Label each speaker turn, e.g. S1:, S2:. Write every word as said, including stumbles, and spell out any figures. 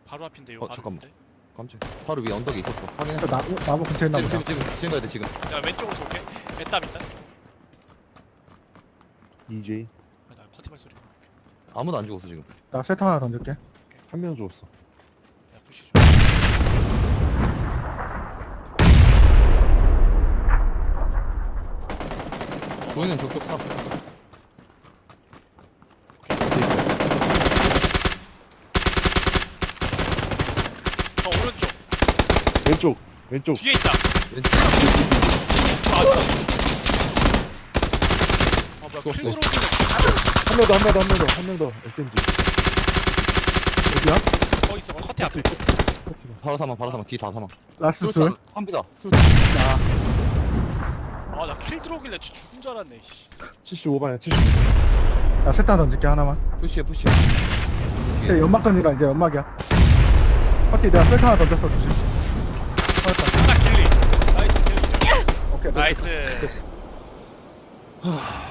S1: 바로 앞인데 요
S2: 어,
S1: 바로
S2: 잠깐만.
S1: 앞인데?
S2: 깜짝. 바로 위에 언덕에 있었어. 확인했어.
S3: 나, 나무 근처에 있나
S2: 지금
S3: 보다.
S2: 지금 지금 지금 가야 돼 지금.
S1: 야 왼쪽으로 쏠게. 애땀 있다.
S4: 이제이
S1: 아, 나 커티발 소리. 야
S2: 아무도 안 죽었어 지금.
S3: 나 세트 하나 던질게.
S4: 한 명 죽었어.
S1: 푸시 좀.
S2: 보이는 족족 사.
S1: 저 오른쪽
S4: 왼쪽 왼쪽
S1: 뒤에 있다.
S2: 왼쪽.
S1: 아 진짜. 아 뭐야
S2: 죽었어,
S1: 킬
S2: 죽었어.
S1: 들어오길래
S4: 한 명 더 한 명 더 한 명 더 한 명 더 에스엠지.
S3: 어디야?
S1: 거 있어. 커티 앞에.
S2: 바로 사망 바로 사망 뒤 다 사망.
S3: 라스트 술.
S2: 한비다. 술.
S3: 나.
S1: 아나 킬 들어오길래 진짜 죽은 줄 알았네. 씨.
S4: 칠십오 반이야 칠십.
S3: 나 세트 하나 던질게 하나만.
S2: 푸시해 푸시.
S3: 이제 연막 던지라 이제 연막이야. 파티 내가 세트 하나 던졌어 조심.
S1: 하나 킬리. 나이스 킬리.
S3: 오케이.
S1: 나이스.
S2: 하.